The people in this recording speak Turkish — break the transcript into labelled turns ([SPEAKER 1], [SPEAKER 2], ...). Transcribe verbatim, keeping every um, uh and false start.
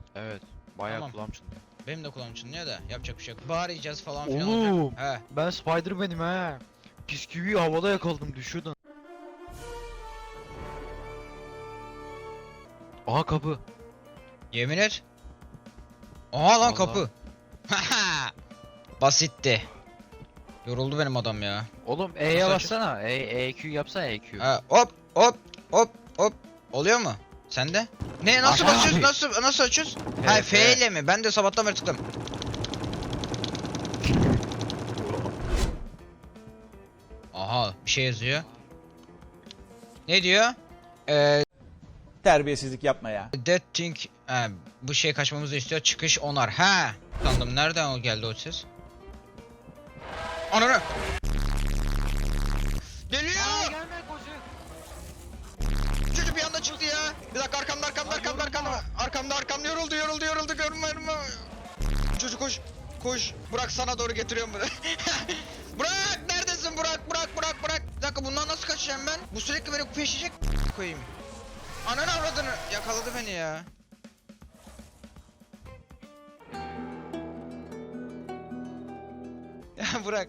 [SPEAKER 1] Evet. Bayağı
[SPEAKER 2] Tamam.
[SPEAKER 1] kulağım çınlıyor.
[SPEAKER 2] Benim de kulağım çınlıyor da yapacak bir şey yok. Bağıracağız falan filan
[SPEAKER 1] Oğlum.
[SPEAKER 2] olacak. He.
[SPEAKER 1] Ben Spider-Man'im he. Bisküviyi havada yakaladım düşüyordun. Aha kapı.
[SPEAKER 2] Yemin et. Aha lan
[SPEAKER 1] Vallahi.
[SPEAKER 2] kapı. Haha. Basitti. Yoruldu benim adam ya.
[SPEAKER 1] Oğlum E'ye
[SPEAKER 2] Nasıl
[SPEAKER 1] bassana. E, EQ yapsana E Q.
[SPEAKER 2] Ha, hop hop hop hop. Oluyor mu? Sende? Ne nasıl
[SPEAKER 1] Aha
[SPEAKER 2] basıyoruz?
[SPEAKER 1] abi.
[SPEAKER 2] Nasıl nasıl açıyoruz? Ha
[SPEAKER 1] Evet,
[SPEAKER 2] F
[SPEAKER 1] evet.
[SPEAKER 2] ile mi? Ben de sabahtan beri tıkladım. Aha bir şey yazıyor. Ne diyor? Eee
[SPEAKER 3] Terbiyesizlik yapma ya.
[SPEAKER 2] That thing ha, bu şey kaçmamızı istiyor. Çıkış onar. Ha. Sandım nereden o geldi o ses? Ananı. Geliyor.
[SPEAKER 1] Gelme koşu.
[SPEAKER 2] Çocuk bir anda çıktı ya. Bir dakika arkamda arkamda arkamda arkamda. Arkamda arkamda yoruldu yoruldu yoruldu görmüyorum. Çocuk koş. Koş. Burak sana doğru getiriyorum bunu. Burak neredesin Burak Burak Burak Burak. Bir dakika bundan nasıl kaçacağım ben? Bu sürekli beni peşecek koyayım. Ananı avradını yakaladı beni ya. Ya Burak